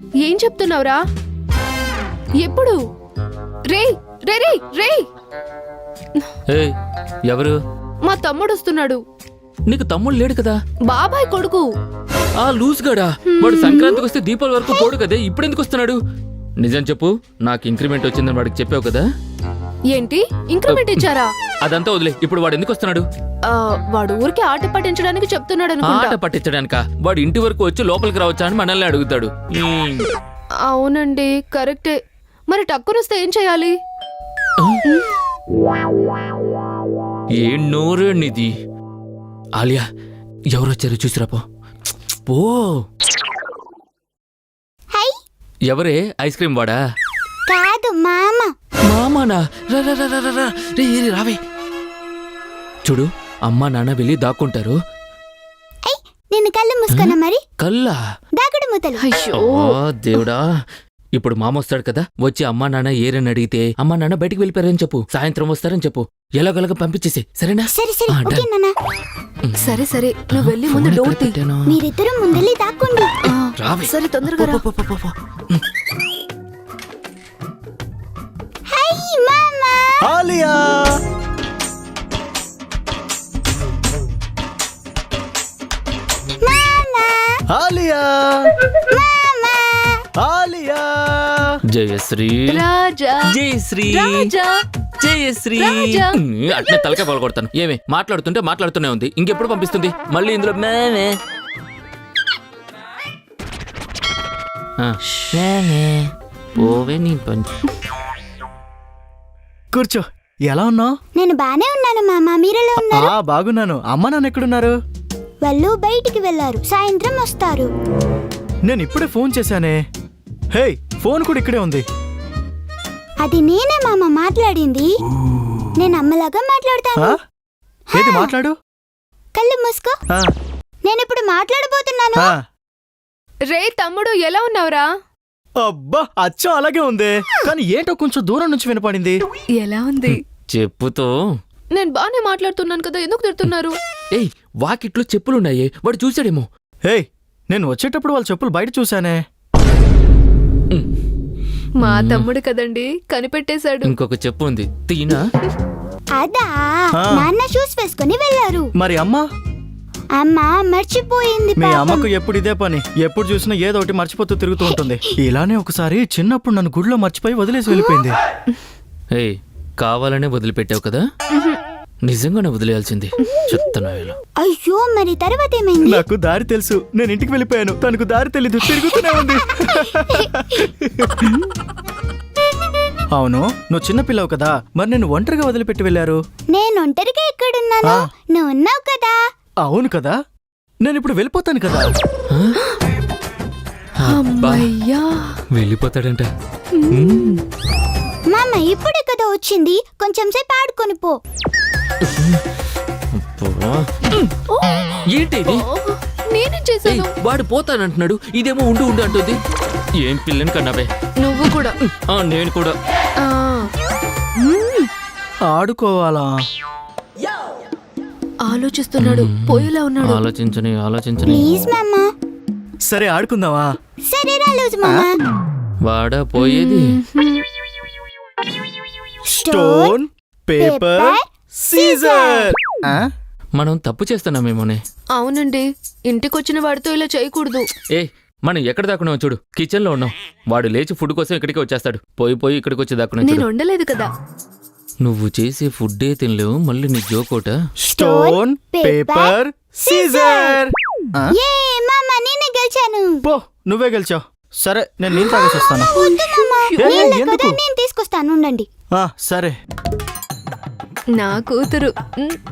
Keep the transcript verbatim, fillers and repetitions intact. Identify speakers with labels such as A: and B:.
A: ఏం చెప్తున్నావురా? ఎప్పుడు? రే రే రే రే
B: ఏయ్, ఎవరు?
A: మా తమ్ముడు వస్తున్నాడు.
B: నీకు తమ్ముడు లేడు కదా?
A: బాబాయ్ కొడుకు.
B: ఆ లూజ్ గాడా? వాడు సంక్రాంతికి వస్తే దీపావళి వరకు పోడు కదే, ఇప్పుడు ఎందుకు వస్తున్నాడు? నిజం చెప్పు, నాకు ఇంక్రిమెంట్ వచ్చిందని వాడికి చెప్పావు కదా?
A: ఏంటి ఇంక్రిమెంట్ ఇచ్చారా?
B: అదంతా వదిలే, ఇప్పుడు వాడు ఎందుకు వస్తున్నాడు?
A: ఆ, వాడు ఊరికి ఆట పట్టించడానికి చెప్తున్నాడు
B: ఆట
A: అనుకుంటా.
B: పట్టించడానిక? వాడు ఇంటి వరకు వచ్చి లోపలికి రావచ్చా అని మనల్ని అడుగుతాడు. ఉమ్.
A: అవునండి, కరెక్టే. మరి టక్కునొస్తే ఏం చేయాలి?
B: ఏం నోరేనిది? ఆలియా, ఎవరొచ్చారు చూసిరాపో. పో. ఎవరే? ఐస్ క్రీమ్ వాడా?
C: కాదు, మామ.
B: మామానా? రా రా రా రా రా రా. రే, రే, రావే. చూడు, అమ్మా నాన్న వెళ్ళి దాక్కుంటారు.
C: నేను కళ్ళు మూసుకున్నా మరి.
B: కల్లా?
C: దాగుడు మూతలు.
A: అయ్యో,
B: ఓ దేవుడా. ఇప్పుడు మామ వస్తాడు కదా, వచ్చి అమ్మా నాన్న ఏరని అడిగితే అమ్మా నాన్న బయటికి వెళ్ళిపోయారని చెప్పు, సాయంత్రం వస్తారని చెప్పు, ఎలాగోలాగా పంపించేసి, సరేనా?
C: సరే సరే,
B: ఆ,
C: ఓకే నాన్న.
A: సరే సరే, నువ్వు వెళ్ళి ముందు
B: ఫోన్
A: డోర్
B: ఎక్కడ
A: తీ.
B: పెట్టాను?
C: మీరిద్దరూ ముందెళ్ళి దాక్కోండి.
A: ఆ,
B: రావే.
A: సరే, తొందరగా రా.
B: పో, పో, పో, పో.
C: హై మామ.
D: ఆలియా,
C: మామ.
D: ఆలియా,
C: మామ.
D: ఆలియా.
B: జయశ్రీ,
A: రాజా,
B: జయశ్రీ,
A: రాజా.
B: జయశ్రీ.
A: రాజా.
B: ఉమ్, అట్నే తలకే పగలగొడతాను. ఏమే మాట్లాడుతుంటే మాట్లాడుతూనే ఉంది, ఇంకెప్పుడు పంపిస్తుంది మళ్ళీ ఇందులో మేమే? ఆ, మేమే. పోవే నీ పని.
D: కూర్చో. ఎలా ఉన్నావు?
C: నేను బానే ఉన్నాను మామ, మీరెలా ఉన్నారు?
D: ఆ బాగున్నాను. అమ్మ నాన్న ఎక్కడున్నారు?
C: వాళ్ళు బయటికి వెళ్ళారు, సాయంత్రం వస్తారు.
D: నేను ఇప్పుడే ఫోన్ చేశానే. హే, ఫోన్ కూడా ఇక్కడే ఉంది.
C: అది నేనే మామ మాట్లాడింది. నేను అమ్మలాగా మాట్లాడతాను.
D: ఆ? ఏది మాట్లాడు?
C: కళ్ళు మూసుకో.
D: ఆ,
C: నేను ఇప్పుడు మాట్లాడబోతున్నాను.
D: ఆ.
A: రే తమ్ముడు, ఎలా ఉన్నావురా?
D: అబ్బా, అచ్చం అలాగే ఉంది, కానీ ఏంటో కొంచెం దూరం నుంచి వినపడింది.
A: ఎలా ఉంది?
B: చెప్పుతో.
A: నేను బానే మాట్లాడుతున్నాను కదా, ఎందుకు తిడుతున్నారు?
B: ఏయ్, వాకిట్లో చెప్పులున్నాయే, వాడు చూసాడేమో.
D: హే, నేను వచ్చేటప్పుడు వాళ్ళ చెప్పులు బయట చూశానే.
A: మా తమ్ముడు కదండి, కనిపెట్టేశాడు.
B: ఇంకొక చెప్పు ఉంది, తీనా?
C: అదా,
D: ఆ.
C: నాన్న షూస్ వేసుకుని వెళ్ళారు.
D: మరి అమ్మ?
C: అమ్మ మర్చిపోయింది
D: మీ
C: పాపం.
D: అమ్మకు ఎప్పుడు ఇదే పని, ఎప్పుడు చూసినా ఏదో ఒకటి మర్చిపోతూ తిరుగుతూ ఉంటుంది. ఇలానే ఒకసారి చిన్నప్పుడు నన్ను గుడిలో మర్చిపోయి వదిలేసి వెళ్ళిపోయింది.
B: ఏయ్, కావాలనే వదిలిపెట్టావు కదా? నిజంగానే వదిలేయాల్సింది. చెప్తున్నాను.
C: అయ్యో, మరి తర్వాత ఏమైంది?
D: నాకు దారి తెలుసు, నేను ఇంటికి వెళ్ళిపోయాను, తనకు దారి తెలీదు, తిరుగుతూనే ఉంది. అవును, నువ్వు చిన్నపిల్లవు కదా, మరి నేను ఒంటరిగా వదిలిపెట్టి వెళ్ళారు?
C: నేను ఒంటరిగా ఎక్కడున్నాను?
D: ఆ.
C: నువ్వు ఉన్నావు కదా.
D: అవును కదా, నేను ఇప్పుడు వెళ్ళిపోతాను కదా.
A: అమ్మయ్యా,
B: వెళ్ళిపోతాడంట.
C: మామ ఇప్పుడే కదా వచ్చింది, కొంచెం సేపు ఆడుకొని పో.
B: ఏంటి ఇది?
A: ఓ, నేనేం
B: ఏయ్,
A: చేశాను?
B: వాడు పోతానంటున్నాడు, ఇదేమో ఉండు ఉండు అంటుంది. ఏం పిల్లని కన్నావే?
A: నువ్వు కూడా.
B: ఆ, నేను కూడా.
A: ఆ,
D: ఆడుకోవాలా?
A: ఆలోచిస్తున్నాడు, పోయేలా ఉన్నాడు.
B: ఆలోచించని ఆలోచించని
C: ప్లీజ్ మామ.
D: సరే ఆడుకుందావా?
C: సరే రా లూజ్ మామ.
B: వాడా పోయేది?
D: Stone paper scissor.
B: మనం తప్పు చేస్తున్నామేమోనే.
A: అవునండి, ఇంటికొచ్చిన వాడితో ఇలా చేయకూడదు.
B: ఏ, మనం ఎక్కడ దాక్కున్నావు చూడు, కిచెన్ లో ఉన్నాం. వాడు లేచి ఫుడ్ కోసం ఇక్కడికి వచ్చేస్తాడు, పోయి పోయి ఇక్కడికి వచ్చి దాక్కున్నావు
A: నేను
B: చూడు.
A: వండలేదు కదా.
B: నువ్వు చేసే ఫుడ్డే తినలేవు, మళ్ళీ నీ జోకోట.
D: Stone paper scissor.
C: ఏ మామ, నేనే గెలిచాను.
D: పో, నువ్వే గెలిచావు. సరే, నేను నీళ్ళు తాగేసి వస్తాను.
C: వద్దు మామ,
D: ఏ,
C: నీళ్ళే కదా,
D: ఎందుకు?
C: నేను తీసుకొస్తాను, ఉండండి.
D: ఆ, సరే.
A: నా కూతురు. ఉమ్.